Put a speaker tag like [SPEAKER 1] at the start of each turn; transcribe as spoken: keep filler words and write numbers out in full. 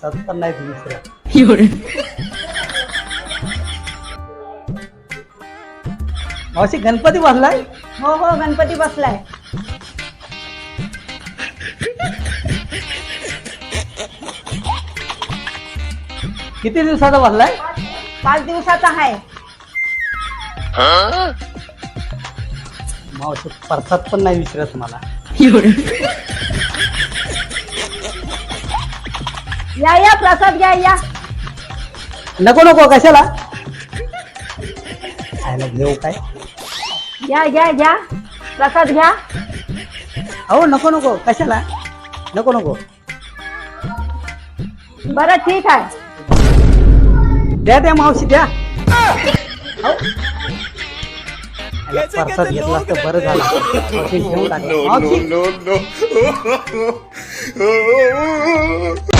[SPEAKER 1] प्रसाद पण नाही विसरत. मावशी गणपती बसलाय.
[SPEAKER 2] हो हो गणपती बसलाय.
[SPEAKER 1] किती दिवसाचा बसलाय.
[SPEAKER 2] पाच दिवसाचा आहे.
[SPEAKER 1] मावशी प्रसाद पण नाही विसरत मला.
[SPEAKER 2] या या प्रसाद घ्या या.
[SPEAKER 1] नको नको कशाला खायला घेऊ काय.
[SPEAKER 2] घ्या घ्या घ्या प्रसाद घ्या.
[SPEAKER 1] अहो नको नको कशाला. नको नको
[SPEAKER 2] बरं ठीक आहे.
[SPEAKER 1] द्या द्या मावशी द्या. अहो. याला प्रसाद घेतला असतं बरं झालं. मावशी घेऊन टाका. मावशी